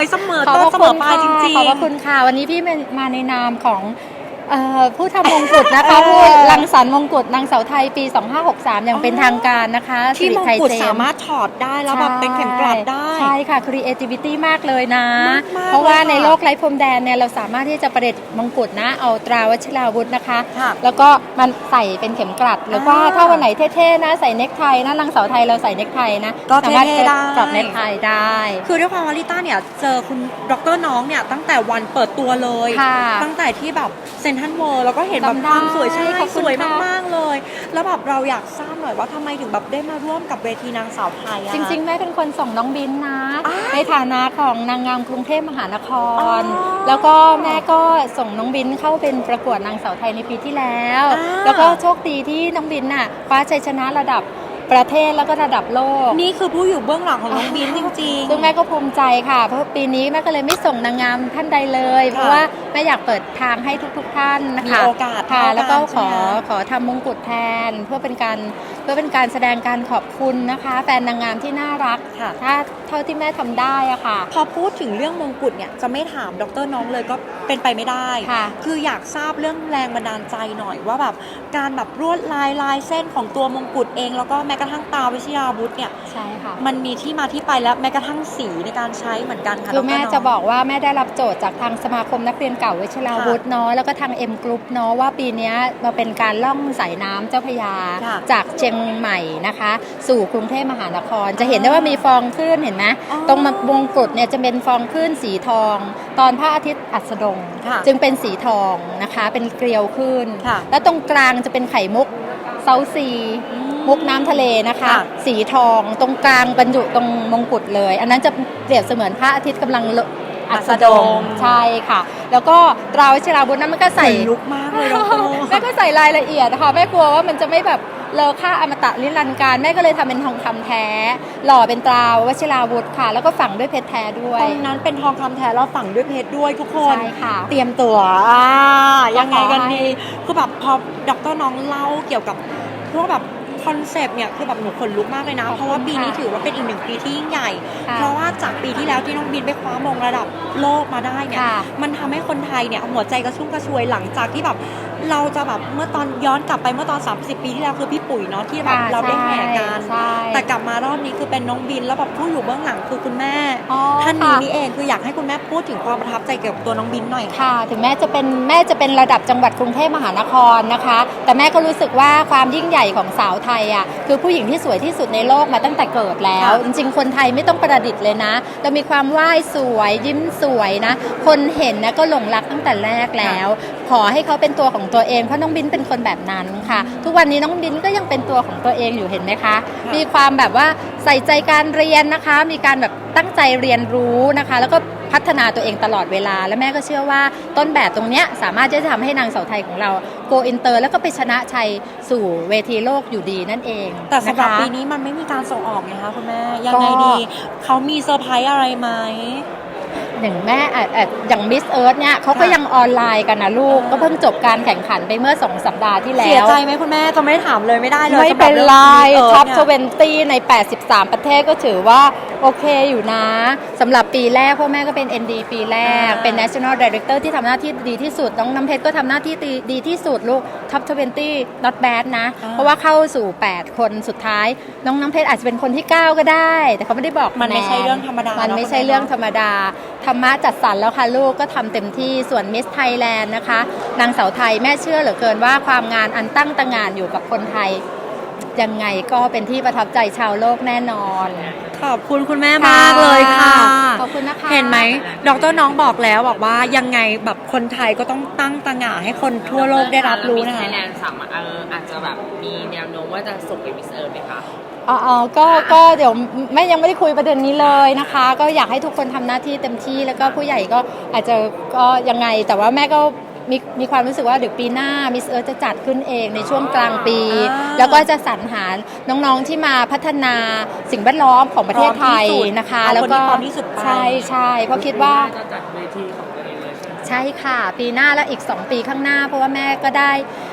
เสมอต้นเสมอปลายจริงๆขอบพระคุณค่ะวันนี้พี่มาในนามของผู้ทำมงกุฎนะคะผู้รังสรรค์มงกุฎนางสาวไทยปี 2563 อย่างเป็นทางการนะคะที่มงกุฎสามารถถอดได้แล้วแบบเป็นเข็มกลัดได้ใช่ค่ะ creativity มากเลยนะมากเพราะว่าในโลกไร้พรมแดนเนี่ยเราสามารถที่จะประดิษฐ์มงกุฎนะเอาตราวัชราวุธนะคะแล้วก็มันใส่เป็นเข็มกลัดหรือว่าถ้าวันไหนเท่ๆนะใส่เนคไทนะนางสาวไทยเราใส่เนคไทนะก็เท่ๆได้กลับเนคไทได้คือด้วยความว่าลิต้าเนี่ยเจอคุณดร.น้องเนี่ยตั้งแต่วันเปิดตัวเลยตั้งแต่ที่แบบเซ็นทรัลเวิลด์แล้วก็เห็นแบบความสวยใช่สวยมากๆเลยแล้วแบบเราอยากทราบหน่อยว่าทำไมถึงแบบได้มาร่วมกับเวทีนางสาวไทยอะจริงๆแม่เป็นคนส่งน้องบินนะในฐานะของนางงามกรุงเทพมหานครแล้วก็แม่ก็ส่งน้องบินเข้าเป็นประกวดนางสาวไทยในปีที่แล้วแล้วก็โชคดีที่น้องบินน่ะคว้าชัยชนะระดับประเทศแล้วก็ระดับโลกนี่คือผู้อยู่เบื้องหลังของน้องบินจริงๆซึ่งแม่ก็ภูมิใจค่ะเพราะปีนี้แม่ก็เลยไม่ส่งนางงามท่านใดเลยเพราะว่าแม่อยากเปิดทางให้ทุกท่านนะคะมีโอกาสค่ะแล้วก็ขอทำมงกุฎแทนเพื่อเป็นการแสดงการขอบคุณนะคะแฟนนางงามที่น่ารักถ้าเท่าที่แม่ทำได้อะค่ะพอพูดถึงเรื่องมงกุฎเนี่ยจะไม่ถามดร.น้องเลยก็เป็นไปไม่ได้คืออยากทราบเรื่องแรงบันดาลใจหน่อยว่าแบบการแบบลวดลายเส้นของตัวมงกุฎเองแล้วก็แม้กระทั่งตาวิชราวุธเนี่ยใช่ค่ะมันมีที่มาที่ไปแล้วแม้กระทั่งสีในการใช้เหมือนกันค่ะคือแม่จะบอกว่าแม่ได้รับโจทย์จากทางสมาคมนักเรียนเก่าวิชราวุธเนาะแล้วก็ทาง M Group เนาะว่าปีนี้มาเป็นการล่องสายน้ำเจ้าพระยาจากเชียงใหม่นะคะสู่กรุงเทพมหานครจะเห็นได้ว่ามีฟองคลื่นเห็นไหมตรงมงกุฎเนี่ยจะเป็นฟองคลื่นสีทองตอนพระอาทิตย์อัสดงจึงเป็นสีทองนะคะเป็นเกลียวคลื่นแล้วตรงกลางจะเป็นไข่มุกเซาซีมุกน้ำทะเลนะคะสีทองตรงกลางบรรจุตรงมงกุฎเลยอันนั้นจะเปรียบเสมือนพระอาทิตย์กำลังอัสดงใช่ค่ะแล้วก็ตราวิชราวุธนั้นมันก็ใส่ลุกมากเลยแม่ก็ใส่รายละเอียดนะคะแม่กลัวว่ามันจะไม่แบบเลอค่าอมตะนิรันดร์การแม่ก็เลยทำเป็นทองคำแท้หล่อเป็นตราวัชราวุธค่ะแล้วก็ฝังด้วยเพชรแท้ด้วยตรงนั้นเป็นทองคำแท้แล้วฝังด้วยเพชรด้วยทุกคนใช่ค่ะเตรียมตัวยังไงกันดีคือแบบพอดร.น้องเล่าเกี่ยวกับพวกแบบคอนเซปต์เนี่ยคือแบบหนูขนลุกมากเลยนะเพราะว่าปีนี้ถือว่าเป็นอีกหนึ่งปีที่ยิ่งใหญ่เพราะว่าจากปีที่แล้วที่น้องบินไปคว้ามงระดับโลกมาได้เนี่ยมันทำให้คนไทยเนี่ยหัวใจกระชุ่มกระชวยหลังจากที่แบบเราจะแบบเมื่อตอนย้อนกลับไปเมื่อตอน30 ปีที่แล้วคือพี่ปุ๋ยเนาะที่แบบเราได้แห่กันแต่กลับมารอบนี้คือเป็นน้องบินแล้วแบบผู้อยู่เบื้องหลังคือคุณแม่ท่านนี้นี่เองคืออยากให้คุณแม่พูดถึงความประทับใจเกี่ยวกับตัวน้องบินหน่อยค่ะถึงแม่จะเป็นระดับจังหวัดกรุงเทพมหานครนะคะแต่แม่ก็รู้สึกว่าความยิ่งใหญ่ของสาวไทยอ่ะคือผู้หญิงที่สวยที่สุดในโลกมาตั้งแต่เกิดแล้วจริงๆคนไทยไม่ต้องประดิษฐ์เลยนะเรามีความว่ายสวยยิ้มสวยนะคนเห็นนะก็หลงรักตั้งแต่แรกแล้วขอให้เขาเป็นตัวของตัวเองเพราะน้องบินเป็นคนแบบนั้นค่ะทุกวันนี้น้องบินก็ยังเป็นตัวของตัวเองอยู่เห็นไหมคะมีความแบบว่าใส่ใจการเรียนนะคะมีการแบบตั้งใจเรียนรู้นะคะแล้วก็พัฒนาตัวเองตลอดเวลาและแม่ก็เชื่อว่าต้นแบบตรงนี้สามารถจะทำให้นางสาวไทยของเราโกอินเตอร์แล้วก็ไปชนะชัยสู่เวทีโลกอยู่ดีนั่นเองแต่สำหรับปีนี้มันไม่มีการส่งออกไงคะคุณแม่ยังไงดีเขามีเซอร์ไพรส์อะไรไหมอย่างแม่อย่างมิสเอิร์ธเนี่ยเขาก็ยังออนไลน์กันนะลูกก็เพิ่งจบการแข่งขันไปเมื่อ2 สัปดาห์ที่แล้วเสียใจไหมคุณแม่จะไม่ถามเลยไม่ได้เลยไม่เป็นไรท็อป20ใน83ประเทศก็ถือว่าโอเคอยู่นะสำหรับปีแรกพ่อแม่ก็เป็น ND ปีแรกเป็น National Director ที่ทำหน้าที่ดีที่สุดน้องน้ำเพชรก็ทำหน้าที่ดีที่สุดลูกท็อป20 not bad นะเพราะว่าเข้าสู่8คนสุดท้ายน้องน้ำเพชรอาจจะเป็นคนที่9ก็ได้แต่เขาไม่ได้บอกมันไม่ใช่เรื่องธรรมดามันไม่ใช่เรื่องธรรมดาธรรมะจัดสรรแล้วค่ะลูกก็ทำเต็มที่ส่วนมิสไทยแลนด์นะคะนางสาวไทยแม่เชื่อเหลือเกินว่าความงานอันตั้งตระหง่านอยู่กับคนไทยยังไงก็เป็นที่ประทับใจชาวโลกแน่นอนขอบคุณคุณแม่มากเลยค่ะขอบคุณนะคะเห็นไหมดร.น้องบอกแล้วบอกว่ายังไงแบบคนไทยก็ต้องตั้งตระหง่านให้คนทั่วโลกได้รับรู้นะคะมิสไทยแลนด์อาจจะแบบมีแนวโน้มว่าจะส่งไปมิสเอิร์ธไหมคะก็เดี๋ยวแม่ยังไม่ได้คุยประเด็นนี้เลยนะคะก็อยากให้ทุกคนทำหน้าที่เต็มที่แล้วก็ผู้ใหญ่ก็อาจจะก็ยังไงแต่ว่าแม่ก็มีความรู้สึกว่าเดี๋ยวปีหน้ามิสเอิร์ธจะจัดขึ้นเองในช่วงกลางปีแล้วก็จะสรรหาน้องๆที่มาพัฒนาสิ่งแวดล้อมของประเทศไทยนะคะแล้วก็ใช่เพราะคิดว่าจะจัดเวทีของตัวเองเลยใช่ค่ะปีหน้าแล้วอีก2 ปีข้างหน้าเพราะว่าแม่ก็ได้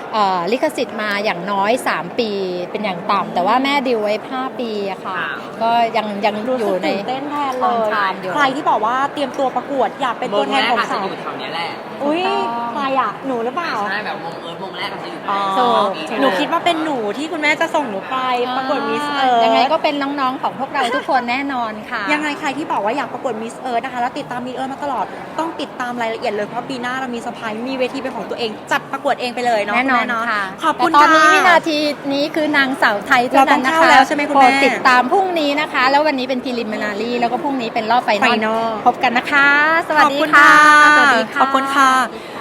ลิขสิทธิ์มาอย่างน้อย 3 ปีเป็นอย่างต่ำแต่ว่าแม่ดีลไว้ 5 ปีอะค่ะ ก็ยังรู้อสึยู่กในตื่นเต้นแทนเลยทางอยู่ใครที่บอกว่าเตรียมตัวประกวดอยากเป็นตัวแทนของอาจจะสาวอยู่แถวเนี้ยแหละอุ้ยถูกต้องใครอ่ะหนูหรือเปล่าใช่แบบวงวงแรกอาจจะอยู่อ๋อถูกหนูคิดว่าเป็นหนูที่คุณแม่จะส่งหนูไปประกวดมิสเอิร์ธยังไงก็เป็นน้องๆของพวกเราทุกคนแน่นอนค่ะยังไงใครที่บอกว่าอยากประกวดมิสเอิร์ธนะคะแล้วติดตามมิสเอิร์ธมาตลอดต้องติดตามรายละเอียดเลยเพราะปีหน้าเรามีเซอร์ไพรส์มีเวทีเป็นของตัวเองจัดประกวดเองไปเลยเนาะแน่นอนณม่เาค่ะขอบคุณแต่ตอนนี้ค่ะวินาทีนี้คือนางสาวไทยเท่านั้นนะเราต้องเข้าคะแล้วใช่ไหมคุณแม่โปรดติดตามพรุ่งนี้นะคะ แล้ววันนี้เป็นพ r ลิมินารีแล้วก็พรุ่งนี้เป็นรอบไฟนอล Final พบกันนะคะ สวัสดีขอบคุณค่ะค่ะสวัสดีค่ะขอบคุณค่ะ